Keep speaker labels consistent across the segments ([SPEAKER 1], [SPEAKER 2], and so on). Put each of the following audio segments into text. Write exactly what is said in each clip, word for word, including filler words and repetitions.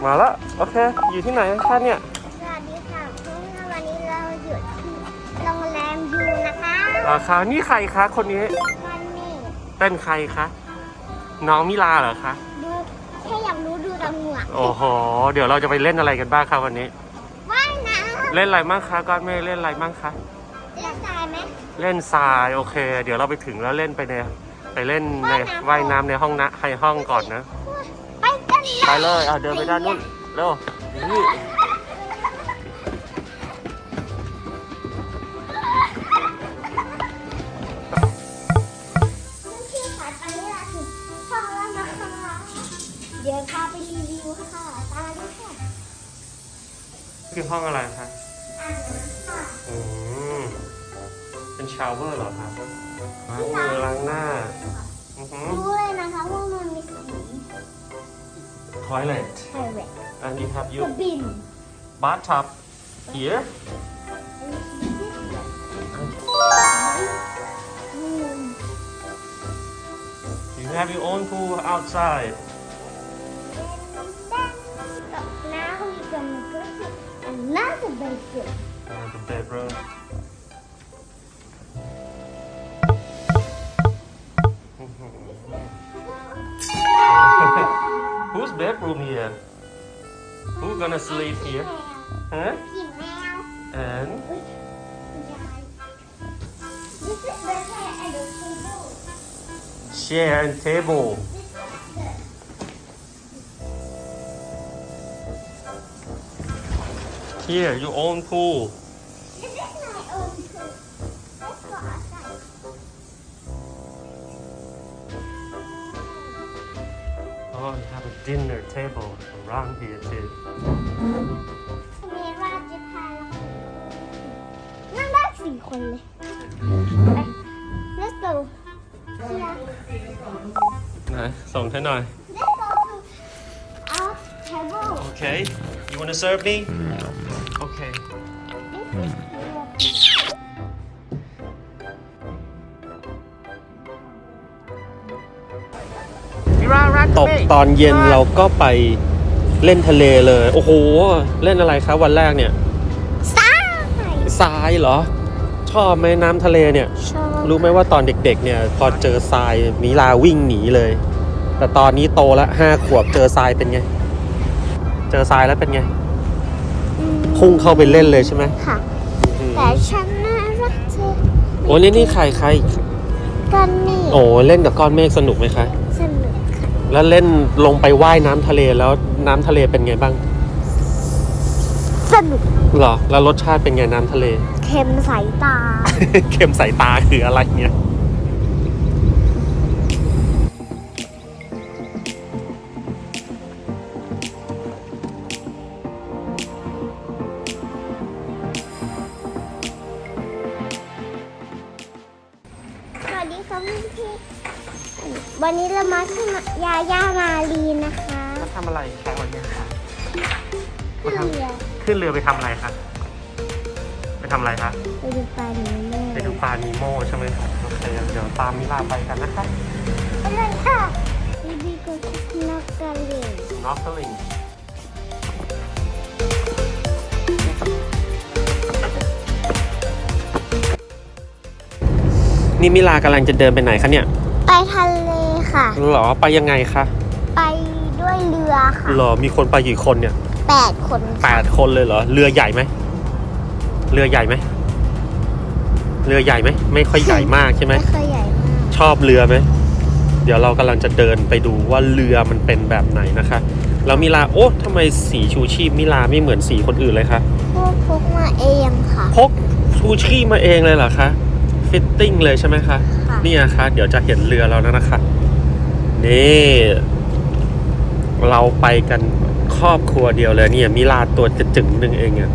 [SPEAKER 1] มาแล้วโอเคอยู่ที่ไหนคะเนี่ย
[SPEAKER 2] สวัสดีค่ะพรุ่งนี้วันนี้เราอยู่ที่โรงแรมยูนะคะ
[SPEAKER 1] ราคานี่ใครคะคนนี้
[SPEAKER 2] วันนี้
[SPEAKER 1] เป็นใครคะน้องมิลาเหรอคะ
[SPEAKER 2] ดูแค่อยากรู้ดูตำรวจ
[SPEAKER 1] โอ้โหเดี๋ยวเราจะไปเล่นอะไรกันบ้างครับวันนี้
[SPEAKER 2] ว่ายน้ำ
[SPEAKER 1] เล่นอะไรบ้างคะก้อนเมฆเล่นอะไรบ้างคะ
[SPEAKER 2] เล่นทรายไหม
[SPEAKER 1] เล่นทรายโอเคเดี๋ยวเราไปถึงแล้วเล่นไปในไปเล่นในว่ายน้ำในห้องนะใครห้องก่อนนะ
[SPEAKER 2] ไปกัน
[SPEAKER 1] ไปเลยอ่ะเดินไปด้านนู้นเร็วนี่
[SPEAKER 2] เดี๋ยวพาไปรีวิวค่ะตาด้วยค่ะ
[SPEAKER 1] คือห้องอะไรคะ
[SPEAKER 2] อ่างน้ำค่ะ
[SPEAKER 1] อืมเป็นชาวเวอร์เหรอครับล้างมือล้างหน้า
[SPEAKER 2] รู้เลยนะคะว่ามันมีสี
[SPEAKER 1] toilet
[SPEAKER 2] toilet
[SPEAKER 1] and you have you
[SPEAKER 2] bin
[SPEAKER 1] bathtub here you have your own pool outside
[SPEAKER 2] now we gonna go to another bedroom
[SPEAKER 1] another bedroom Whose bedroom here? Who gonna sleep here? Huh? And?
[SPEAKER 2] This is the chair and the table.
[SPEAKER 1] Chair and table. Here, your own pool.
[SPEAKER 2] This is my own pool. Let's go outside.
[SPEAKER 1] Oh, you have a dinner table around here too.
[SPEAKER 2] เมราจะพาเรานั่งได้สี่คนเลยไป Let's go
[SPEAKER 1] ไหนส่งให้หน่อย
[SPEAKER 2] Let's go to our table
[SPEAKER 1] Okay. You wanna serve me? Okay.
[SPEAKER 2] This is
[SPEAKER 1] ตกตอนเย็นเราก็ไปเล่นทะเลเลยโอ้โหเล่นอะไรครับวันแรกเนี่ย
[SPEAKER 2] ทราย
[SPEAKER 1] ทรายเหรอชอบไหมน้ำทะเลเนี่ย
[SPEAKER 2] ชอบ
[SPEAKER 1] รู้ไหมว่าตอนเด็กๆเนี่ยพอเจอทรายมิลาวิ่งหนีเลยแต่ตอนนี้โตแล้วห้าขวบเจอทรายเป็นไงเจอทรายแล้วเป็นไงพุ่งเข้าไปเล่นเลยใช่ไหม
[SPEAKER 2] ค่ะแต่ฉันน่ารักเธอ
[SPEAKER 1] โอ้นี่นี่ใครใคร
[SPEAKER 2] กันนี่
[SPEAKER 1] โอ้เล่นกับก้อนเมฆสนุกไหมคะ
[SPEAKER 2] สนุกค่ะ
[SPEAKER 1] แล้วเล่นลงไปว่ายน้ำทะเลแล้วน้ำทะเลเป็นไงบ้าง
[SPEAKER 2] สนุก
[SPEAKER 1] เหรอแล้วรสชาติเป็นไงน้ำทะเล
[SPEAKER 2] เค็มสายตา
[SPEAKER 1] เค็มสายตาคืออะไรเนี่ย
[SPEAKER 2] สวัสดีครับพี่พี่วันนี้เรามาที่ยาย่ามาลีนะคะ
[SPEAKER 1] มาทำอะไรคะวันนี้คะ
[SPEAKER 2] ขึ้นเรือ
[SPEAKER 1] ขึ้นเรือไปทำอะไรคะไปทำอะไรคะ
[SPEAKER 2] ไปดูปลานีโม่
[SPEAKER 1] ไปดูปลานีโม่ใช่ไหมครับโอเคเดี๋ยวตามมิลาไปกันนะคะ
[SPEAKER 2] ไปเลยค่ะบีบีก็นอกกระเลียง
[SPEAKER 1] นอกกระเลียงนี่มิลากำลังจะเดินไปไหนคะเนี่ย
[SPEAKER 2] ไปทะเลค่ะ
[SPEAKER 1] หรอไปยังไงคะ
[SPEAKER 2] ไปด้วยเรือค่ะ
[SPEAKER 1] หรอมีคนไปกี่คนเนี่ย
[SPEAKER 2] แปดคน
[SPEAKER 1] แปดคนเลยเหรอเรือใหญ่ไหมเรือใหญ่ไหมเรือใหญ่ไหมไม่ค่อยใหญ่มากใช่ไหม
[SPEAKER 2] ไม่ค่อยใหญ่มาก
[SPEAKER 1] ชอบเรือไหมเดี๋ยวเรากำลังจะเดินไปดูว่าเรือมันเป็นแบบไหนนะคะแล้วมิลาโอ้ทำไมสีชูชีพมิลาไม่เหมือนสีคนอื่นเลยคะ
[SPEAKER 2] พวกพกมาเองค่ะ
[SPEAKER 1] พกชูชีพมาเองเลยเหรอคะฟิตติ้งเลยใช่ไหมคะนี่นะคะเดี๋ยวจะเห็นเรือเราแล้วนะคะนี่เราไปกันครอบครัวเดียวเลยเนี่ยมิลาตัวจะจึงหนึ่งเองอ่ะ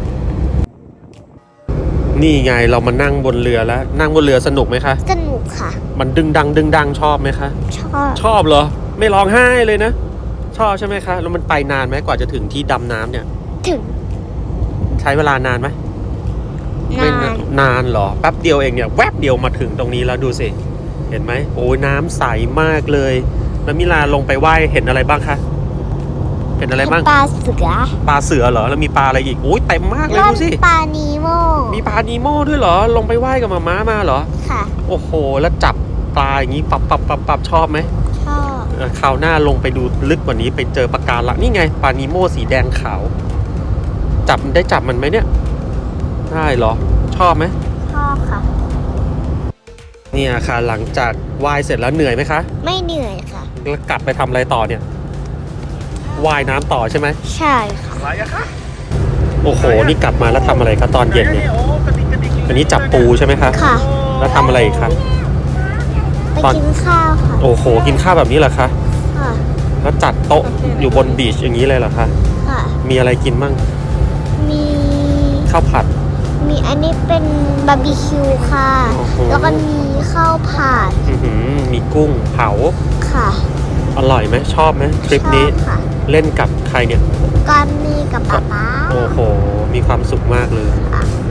[SPEAKER 1] นี่ไงเรามานั่งบนเรือแล้วนั่งบนเรือสนุกไหมคะ
[SPEAKER 2] สนุกค่ะ
[SPEAKER 1] มันดึงดังดึงดังชอบไหมคะ
[SPEAKER 2] ชอบ
[SPEAKER 1] ชอบเหรอไม่ร้องไห้เลยนะชอบใช่ไหมคะแล้วมันไปนานไหมกว่าจะถึงที่ดำน้ำเนี่ย
[SPEAKER 2] ถึง
[SPEAKER 1] ใช้เวลานานไหมนานนานเหรอแป๊บเดียวเองเนี่ยแวบเดียวมาถึงตรงนี้แล้วดูสิเห็นไหมโอ้ยน้ำใสมากเลยแล้วมิลาลงไปว่ายเห็นอะไรบ้างคะเห็นอะไรบ้าง
[SPEAKER 2] ปลาเสือ
[SPEAKER 1] ปลาเสือเหรอแล้วมีปลาอะไรอีกโอ้ยเต็มมากเลย
[SPEAKER 2] แล้ว
[SPEAKER 1] ดูสิ
[SPEAKER 2] ปลานีโม
[SPEAKER 1] มีปลานีโม่ด้วยเหรอลงไปว่ายกับมาม้ามาเหรอ
[SPEAKER 2] ค่ะ
[SPEAKER 1] โอ้โหแล้วจับปลาอย่างนี้ปับปับปับปับชอบไหม
[SPEAKER 2] ชอบ
[SPEAKER 1] เออคราวหน้าลงไปดูลึกกว่านี้ไปเจอปลาการังนี่ไงปลานีโม่สีแดงขาว จับได้จับมันไหมเนี่ยได้เหรอชอบไหม
[SPEAKER 2] ชอบค่ะ
[SPEAKER 1] เนี่ยค่ะหลังจากว่ายเสร็จแล้วเหนื่อยไหมคะ
[SPEAKER 2] ไม่เหนื่อยค่ะ
[SPEAKER 1] แล้วกลับไปทำอะไรต่อเนี่ยว่ายน้ำต่อใช่ไหม
[SPEAKER 2] ใช่ค่ะ
[SPEAKER 1] อะไรอะคะโอ้โหนี่กลับมาแล้วทำอะไรคะตอนเย็นเนี่ยอันนี้จับปูใช่ไหมคะ
[SPEAKER 2] ค่ะ
[SPEAKER 1] แล้วทำอะไรอีกคะ
[SPEAKER 2] ไป
[SPEAKER 1] ตอน
[SPEAKER 2] กินข้าวค่ะ
[SPEAKER 1] โอ้โหกินข้าวแบบนี้เหรอคะ
[SPEAKER 2] ค่ะ
[SPEAKER 1] แล้วจัดโต๊ะอยู่บนบีชอย่างนี้เลยเหรอคะ
[SPEAKER 2] ค่ะ
[SPEAKER 1] มีอะไรกินมั่ง
[SPEAKER 2] มี
[SPEAKER 1] ข้าวผัด
[SPEAKER 2] มีอันนี้เป็นบาร์บีคิวค่ะ
[SPEAKER 1] โอ้โห
[SPEAKER 2] แล้วก็มีข้าวผัด
[SPEAKER 1] อื้อหือมีกุ้งเผา
[SPEAKER 2] ค่ะ
[SPEAKER 1] อร่อยไหมชอบไหมทริปนี้
[SPEAKER 2] ชอบค่ะ
[SPEAKER 1] เล่นกับใครเนี่ย
[SPEAKER 2] ก้อนนี้กับป๊าป๊า
[SPEAKER 1] โอ้โหมีความสุขมากเลย
[SPEAKER 2] ค่ะ